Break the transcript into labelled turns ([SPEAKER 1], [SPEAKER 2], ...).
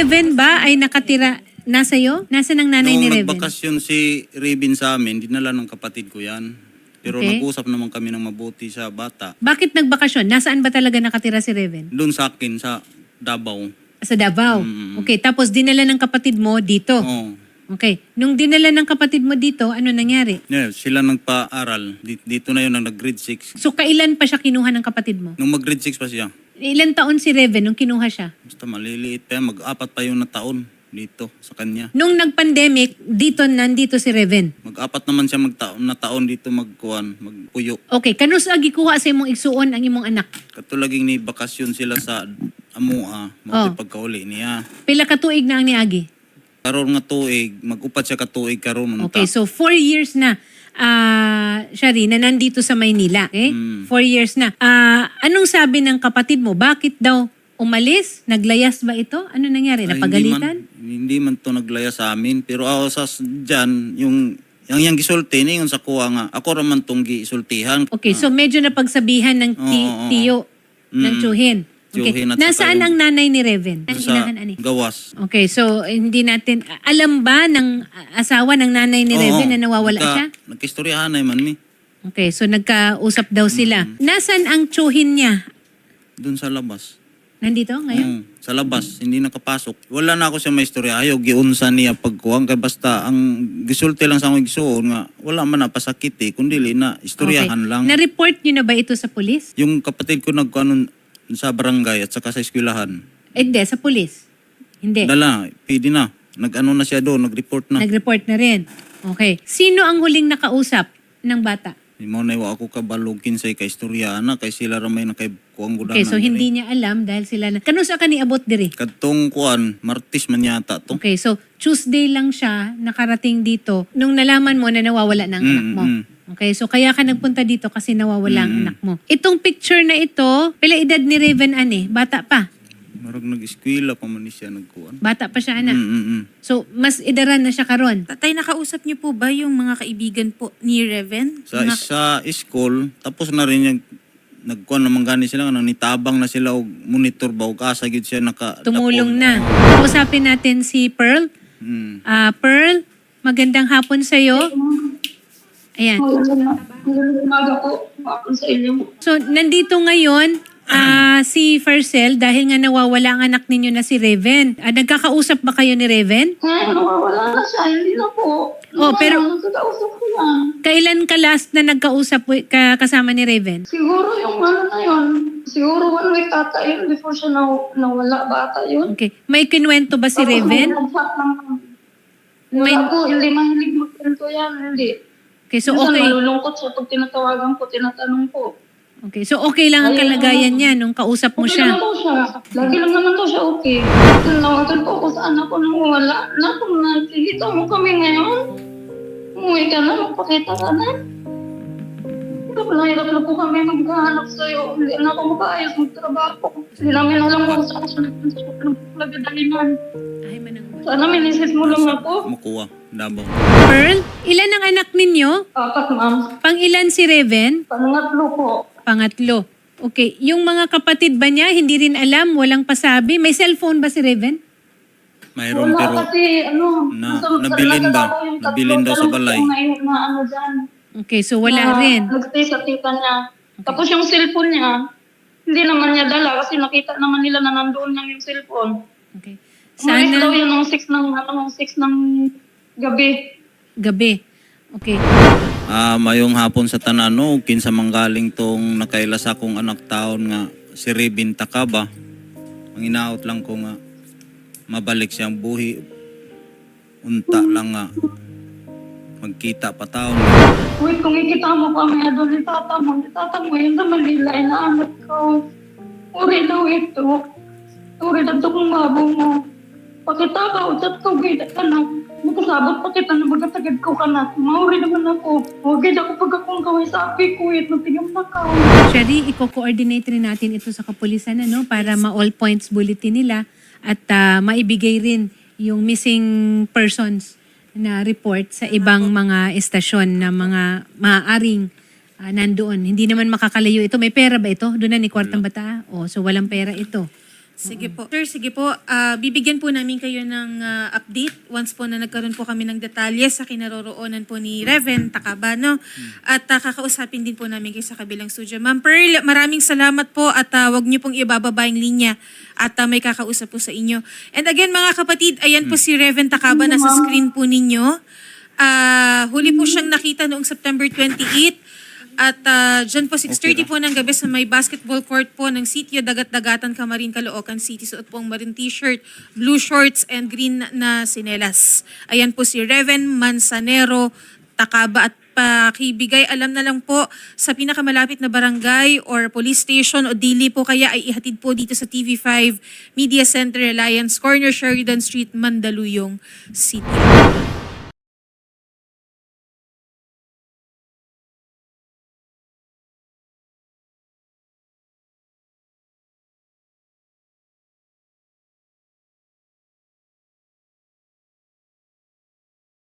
[SPEAKER 1] Reven ba ay nakatira nasa iyo? Nasaan ang nanay ni
[SPEAKER 2] Nung
[SPEAKER 1] Reven?
[SPEAKER 2] nagbakasyon si Raven sa amin, dinala ng kapatid ko yan. Pero
[SPEAKER 1] Okay.
[SPEAKER 2] nag-usap naman kami ng mabuti sa bata.
[SPEAKER 1] Bakit nagbakasyon? Nasaan ba talaga nakatira si Reven?
[SPEAKER 2] Doon sa akin, sa Davao.
[SPEAKER 1] Sa Davao. Okay, tapos dinala ng kapatid mo dito.
[SPEAKER 2] Oo.
[SPEAKER 1] Okay. Nung dinala ng kapatid mo dito, ano nangyari?
[SPEAKER 2] Yeah, sila nagpa-aral. Dito na yun, nag-grade 6.
[SPEAKER 1] So kailan pa siya kinuha ng kapatid mo?
[SPEAKER 2] Nung mag-grade 6 pa siya.
[SPEAKER 1] Ilan taon si Reven nung kinuha siya?
[SPEAKER 2] Basta maliliit pa yan. Mag-apat pa yung na taon dito sa kanya.
[SPEAKER 1] Nung nag-pandemic, nandito si Reven.
[SPEAKER 2] Mag-apat naman siya na taon dito magpuyo.
[SPEAKER 1] Okay, kanus agi kuha sa imong igsuon ang imong anak?
[SPEAKER 2] Katulaging ni bakasyon sila sa Amua, pagkauli niya.
[SPEAKER 1] Pila ka tuig na ang niagi?
[SPEAKER 2] Karon nga tuig, mag-upat siya ka tuig karon unta.
[SPEAKER 1] Okay, so 4 years na siya rin na nandito sa Maynila. Okay? 4 years na. Anong sabi ng kapatid mo? Bakit daw umalis? Naglayas ba ito? Ano nangyari?
[SPEAKER 2] Ay,
[SPEAKER 1] Napagalitan?
[SPEAKER 2] Hindi man to naglaya sa amin. Pero ako sa dyan, yung gisulti, yung sa kuha nga, ako raman tong gisultihan.
[SPEAKER 1] Okay, so medyo napagsabihan ng tiyo ng Chuhin. Okay.
[SPEAKER 2] Chuhin at
[SPEAKER 1] Nasaan
[SPEAKER 2] saka
[SPEAKER 1] ang nanay ni Reven? Ang
[SPEAKER 2] Sa
[SPEAKER 1] inahan, ani?
[SPEAKER 2] gawas.
[SPEAKER 1] Okay, so hindi natin... Alam ba ng asawa ng nanay ni Reven na nawawala siya?
[SPEAKER 2] Nagkistoryahan na man ni.
[SPEAKER 1] Okay, so nagkausap daw sila. Nasaan ang Chuhin niya?
[SPEAKER 2] Doon sa labas.
[SPEAKER 1] Nandito ngayon?
[SPEAKER 2] Sa labas, hindi nakapasok. Wala na ako sa may istorya. Ayaw, giunsa niya pagkuhan. Kaya basta, ang gisulti lang sa akong gisuon nga, wala man na pasakit eh. Kundi na, istoryahan lang.
[SPEAKER 1] Na-report niyo na ba ito sa pulis?
[SPEAKER 2] Yung kapatid ko nagkuhanon sa barangay at saka sa eskwelahan.
[SPEAKER 1] Hindi, sa pulis. Hindi.
[SPEAKER 2] Dala, pwede na. Nag-ano na siya doon, nag-report na.
[SPEAKER 1] Nag-report na rin. Okay. Sino ang huling nakausap ng bata?
[SPEAKER 2] Di mo na iwa ako kabalugin sa kaistorya na kay sila ramay na kay kuwang gudanan.
[SPEAKER 1] Okay, so hindi niya alam dahil sila na... Kanusa ka ni abot diri?
[SPEAKER 2] Katong kuwan, Martis man yata to.
[SPEAKER 1] Okay, so Tuesday lang siya nakarating dito nung nalaman mo na nawawala ng anak mo. Okay, so kaya ka nagpunta dito kasi nawawala ang anak mo. Itong picture na ito, pila edad ni Raven ani? Bata pa.
[SPEAKER 2] Marag nag-eskwela pa man ni siya nagkuwan.
[SPEAKER 1] Bata pa siya anak. So mas edaran na siya karon.
[SPEAKER 3] Tatay, nakausap niyo po ba yung mga kaibigan po ni Reven?
[SPEAKER 2] Sa school, tapos na rin yung nagkuhan naman gani sila, nitabang na sila og monitor ba og asa gyud siya
[SPEAKER 1] Tumulong na. Usapin natin si Pearl. Pearl, magandang hapon sa iyo. Ayan.
[SPEAKER 4] Umaga po sa inyo.
[SPEAKER 1] So, nandito ngayon si Fercel dahil nga nawawala ang anak ninyo na si Reven. Nagkakausap ba kayo ni Reven?
[SPEAKER 4] Wala na siya, hindi na po.
[SPEAKER 1] Pero
[SPEAKER 4] Nagkakausap ko na.
[SPEAKER 1] kailan ka last na nagkausap kasama ni Reven?
[SPEAKER 4] Siguro yung na yun. Siguro 1 week ata yun before siya nawala ba ata yun.
[SPEAKER 1] Okay. May kinwento ba si Reven?
[SPEAKER 4] Wala po, hindi mahilig magkwento yan, hindi.
[SPEAKER 1] Okay, so
[SPEAKER 4] Minsan
[SPEAKER 1] okay.
[SPEAKER 4] malulungkot siya pag tinatawagan ko, tinatanong ko.
[SPEAKER 1] Okay, so okay lang ang kalagayan niya nung kausap mo
[SPEAKER 4] Okay
[SPEAKER 1] siya.
[SPEAKER 4] naman daw siya. Lagi lang naman daw siya okay. Nawagan po ako sa anak ko nang wala. Na kung nakikita mo kami ngayon, umuwi ka na, magpakita ka na. Hirap na po kami maghahanap sa'yo. Hindi na ako makaayos magtrabaho. Hindi namin alam kung saan siya nagpagdaliman.
[SPEAKER 1] Ay, manang.
[SPEAKER 4] Sana minisis mo lang ako.
[SPEAKER 2] Makuha, Davao.
[SPEAKER 1] Pearl, ilan ang anak ninyo?
[SPEAKER 4] 4, ma'am.
[SPEAKER 1] Pang ilan si Reven?
[SPEAKER 4] Pangatlo po.
[SPEAKER 1] Pangatlo. Okay, yung mga kapatid ba niya, hindi rin alam, walang pasabi? May cellphone ba si Reven?
[SPEAKER 2] Mayroon
[SPEAKER 4] Wala
[SPEAKER 2] pero
[SPEAKER 4] kasi,
[SPEAKER 2] nabilin ba? Nabilin daw sa balay.
[SPEAKER 4] Na dyan.
[SPEAKER 1] Okay, so wala rin.
[SPEAKER 4] Nagstay sa tita niya. Tapos yung cellphone niya, hindi naman niya dala kasi nakita naman nila na nandoon lang yung cellphone.
[SPEAKER 1] Okay.
[SPEAKER 4] Umalis daw
[SPEAKER 1] Sana
[SPEAKER 4] yun ng 6 ng gabi.
[SPEAKER 1] gabi. Okay.
[SPEAKER 2] Mayong hapon sa tanan, no? Kinsa manggaling tong nakaila sa akong anak taon nga si Raven Takaba. Ang inaot lang ko nga mabalik siyang buhi. Unta lang nga magkita pa taon.
[SPEAKER 4] Wait, kung ikita mo kami doon ni tata mo yun sa Manila, inaanak ko. Uri daw ito. Uri daw ito kung mabo mo. Pakita ka, utat ko, gaya ka na. Magkasabot pa kita na magkatagad ko ka na. Mauri naman ako. Huwag ako pag akong kaway sa api ko, magtigam na ka.
[SPEAKER 1] Sherry, i-coordinate rin natin ito sa kapulisan para ma-all points bulletin nila at maibigay rin yung missing persons na report sa ibang mga estasyon na mga maaaring nandoon. Hindi naman makakalayo ito. May pera ba ito? Doon na ni Kwartang Bata? So walang pera ito.
[SPEAKER 3] Sige po. Sir, sige po. Bibigyan po namin kayo ng update once po na nagkaroon po kami ng detalye sa kinaroroonan po ni Reven Takaba, no? At kakausapin din po namin kayo sa kabilang studio. Ma'am Pearl, maraming salamat po at wag niyo pong ibababa yung linya at may kakausap po sa inyo. And again, mga kapatid, ayan po si Reven Takaba, nasa screen po ninyo. Huli po siyang nakita noong September 28. At dyan po 6:30 po ng gabi sa may basketball court po ng sitio Dagat-Dagatan, Camarin, Caloocan City. Suot po ang maroon t-shirt, blue shorts, and green na sinelas. Ayan po si Reven Manzanero Takaba. At pakibigay alam na lang po sa pinakamalapit na barangay or police station o dili po kaya ay ihatid po dito sa TV5 Media Center Alliance Corner, Sheridan Street, Mandaluyong City.